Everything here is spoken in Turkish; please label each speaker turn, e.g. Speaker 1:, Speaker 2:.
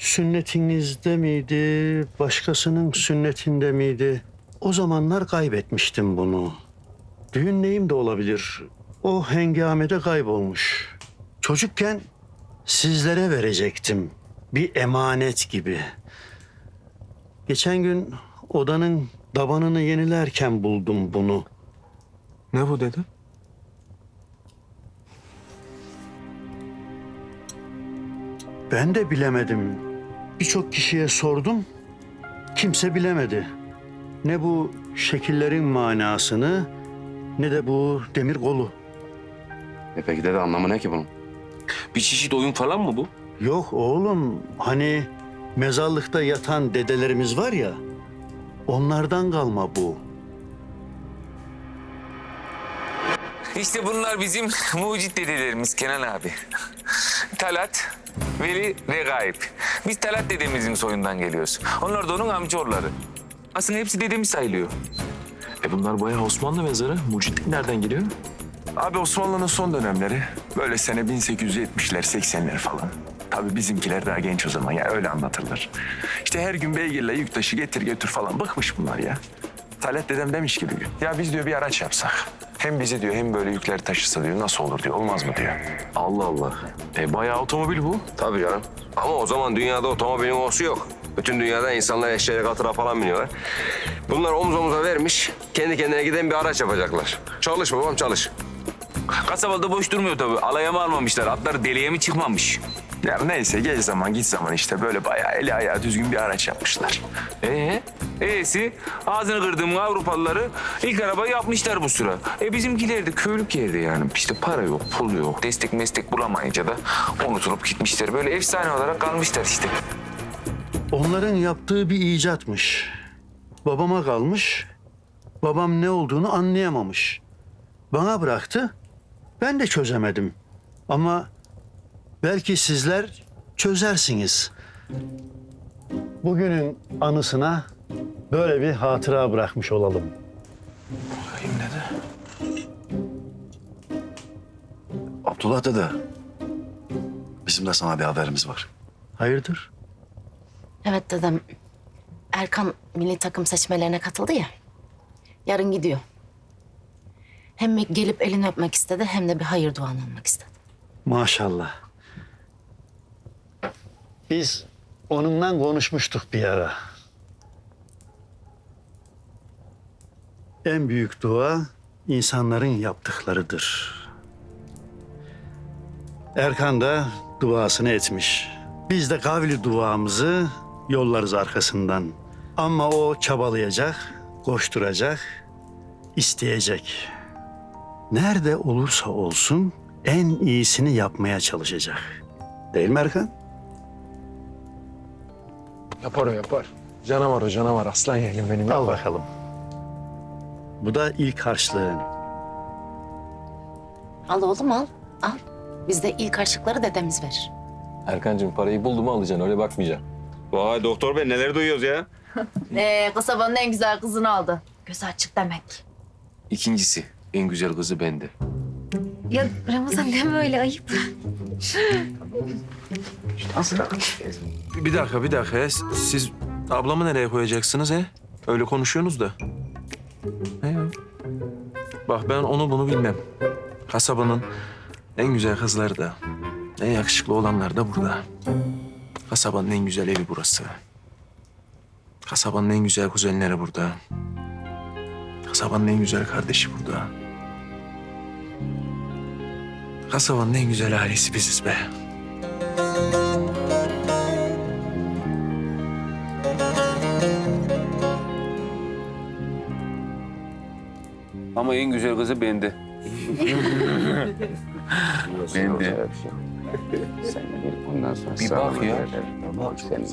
Speaker 1: sünnetinizde miydi, başkasının sünnetinde miydi? O zamanlar kaybetmiştim bunu. Düğün neyim de olabilir. O hengamede kaybolmuş. Çocukken sizlere verecektim. Bir emanet gibi. Geçen gün odanın tabanını yenilerken buldum bunu.
Speaker 2: Ne bu dedi?
Speaker 1: Ben de bilemedim. Birçok kişiye sordum. Kimse bilemedi. Ne bu şekillerin manasını ne de bu demir kolu.
Speaker 3: Peki dede anlamı ne ki bunun?
Speaker 4: Bir çeşit oyun falan mı bu?
Speaker 1: Yok oğlum, hani mezarlıkta yatan dedelerimiz var ya, onlardan kalma bu.
Speaker 4: İşte bunlar bizim mucit dedelerimiz Kenan abi. Talat, Veli ve Gayip. Biz Talat dedemizin soyundan geliyoruz. Onlar da onun amcaoğulları. Aslında hepsi dedemiz sayılıyor.
Speaker 2: Bunlar bayağı Osmanlı mezarı. Mucitlik nereden geliyor?
Speaker 5: Abi Osmanlı'nın son dönemleri böyle sene 1870'ler 80'ler falan. Tabii bizimkiler daha genç o zaman ya öyle anlatırlar. İşte her gün beygirle yük taşı getir götür falan bıkmış bunlar ya. Talat dedem demiş ki bir gün ya biz diyor bir araç yapsak. Hem bizi diyor hem böyle yükleri taşısa diyor nasıl olur diyor olmaz mı diyor.
Speaker 3: Allah Allah.
Speaker 2: Bayağı otomobil bu.
Speaker 3: Tabii canım. Ama o zaman dünyada otomobilin olsu yok. Bütün dünyada insanlar eşeğe katıra falan biniyorlar. Bunlar omuz omuza vermiş, kendi kendine giden bir araç yapacaklar. Çalış babam çalış.
Speaker 4: Kasabada boş durmuyor tabii. Alaya mı almamışlar? Atları deliğe mi çıkmamış?
Speaker 5: Ya neyse gel zaman git zaman işte böyle bayağı eli ayağı düzgün bir araç yapmışlar.
Speaker 4: E'si ağzını kırdığım Avrupalıları ilk arabayı yapmışlar bu sıra. Bizimkiler de köylük yerde yani. İşte para yok, pul yok. Destek meslek bulamayınca da unutulup gitmişler. Böyle efsane olarak kalmışlar işte.
Speaker 1: Onların yaptığı bir icatmış. Babama kalmış, babam ne olduğunu anlayamamış. Bana bıraktı, ben de çözemedim. Ama belki sizler çözersiniz. Bugünün anısına böyle bir hatıra bırakmış olalım.
Speaker 2: Bakayım dede.
Speaker 6: Abdullah dede, bizim de sana bir haberimiz var.
Speaker 1: Hayırdır?
Speaker 7: Evet dedem. Erkan milli takım seçmelerine katıldı ya. Yarın gidiyor. Hem gelip elini öpmek istedi hem de bir hayır duanı almak istedi.
Speaker 1: Maşallah. Biz onunla konuşmuştuk bir ara. En büyük dua insanların yaptıklarıdır. Erkan da duasını etmiş. Biz de kavli duamızı yollarız arkasından. Ama o çabalayacak, koşturacak, isteyecek. Nerede olursa olsun en iyisini yapmaya çalışacak. Değil mi Erkan?
Speaker 2: Yapar o yapar. Canavar o canavar. Aslan yeğenim benim.
Speaker 1: Al bakalım. Bu da ilk harçlığın.
Speaker 7: Al oğlum al. Al. Bizde ilk harçlıkları dedemiz verir.
Speaker 8: Erkancığım parayı buldu mu alacaksın öyle bakmayacaksın.
Speaker 3: Vay doktor bey neler duyuyoruz ya?
Speaker 7: Kasabanın en güzel kızını aldı. Gözü açık demek.
Speaker 4: İkincisi en güzel kızı bende.
Speaker 9: Ya Ramazan deme öyle ayıp.
Speaker 2: Bir dakika ya. Siz ablamı nereye koyacaksınız he? Öyle konuşuyorsunuz da. He ya. Bak ben onu bunu bilmem. Kasabanın en güzel kızları da, en yakışıklı olanlar da burada. Kasabanın en güzel evi burası. Kasabanın en güzel kuzenleri burada. Kasabanın en güzel kardeşi burada. Kasabanın en güzel ailesi biziz be.
Speaker 4: Ama en güzel kızı bende.
Speaker 3: Ben de.
Speaker 4: Bir bak ya.